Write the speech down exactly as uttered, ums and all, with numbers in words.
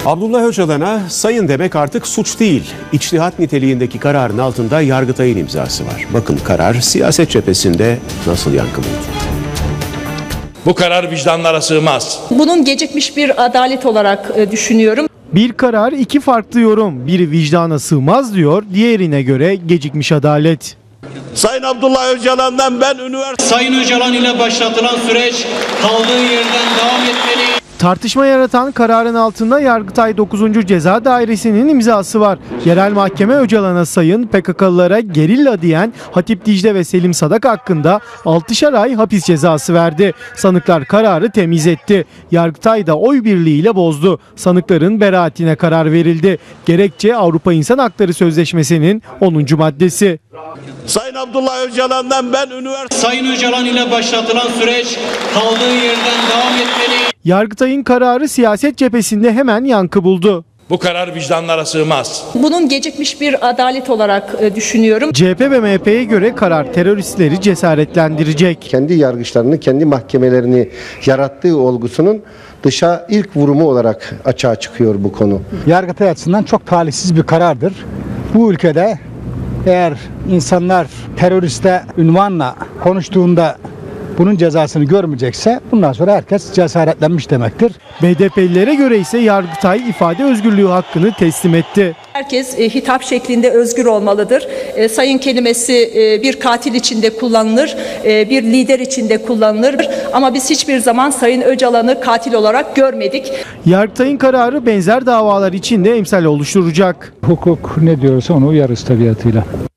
Abdullah Öcalan'a sayın demek artık suç değil. İçtihat niteliğindeki kararın altında Yargıtay'ın imzası var. Bakın karar siyaset cephesinde nasıl yankı buldu. Bu karar vicdanlara sığmaz. Bunun gecikmiş bir adalet olarak düşünüyorum. Bir karar, iki farklı yorum. Biri vicdana sığmaz diyor, diğerine göre gecikmiş adalet. Sayın Abdullah Öcalan'dan ben üniversite... Sayın Öcalan ile başlatılan süreç kaldığı yerden devam etmeli. Tartışma yaratan kararın altında Yargıtay dokuzuncu Ceza Dairesi'nin imzası var. Yerel mahkeme Öcalan'a sayın, P K K'lılara gerilla diyen Hatip Dicle ve Selim Sadak hakkında altışar ay hapis cezası verdi. Sanıklar kararı temiz etti. Yargıtay da oy birliğiyle bozdu. Sanıkların beraatine karar verildi. Gerekçe Avrupa İnsan Hakları Sözleşmesi'nin onuncu maddesi. Sayın Abdullah Öcalan'dan ben üniversite... Sayın Öcalan ile başlatılan süreç kaldığı yerden devam etmeli. Yargıtay'ın kararı siyaset cephesinde hemen yankı buldu. Bu karar vicdanlara sığmaz. Bunun gecikmiş bir adalet olarak düşünüyorum. C H P ve M H P'ye göre karar teröristleri cesaretlendirecek. Kendi yargıçlarını, kendi mahkemelerini yarattığı olgusunun dışa ilk vurumu olarak açığa çıkıyor bu konu. Yargıtay açısından çok talihsiz bir karardır. Bu ülkede eğer insanlar teröriste ünvanla konuştuğunda bunun cezasını görmeyecekse bundan sonra herkes cesaretlenmiş demektir. B D P'lilere göre ise Yargıtay ifade özgürlüğü hakkını teslim etti. Herkes e, hitap şeklinde özgür olmalıdır. E, sayın kelimesi e, bir katil içinde kullanılır, e, bir lider içinde kullanılır. Ama biz hiçbir zaman Sayın Öcalan'ı katil olarak görmedik. Yargıtay'ın kararı benzer davalar için de emsal oluşturacak. Hukuk ne diyorsa onu uyarız tabiatıyla.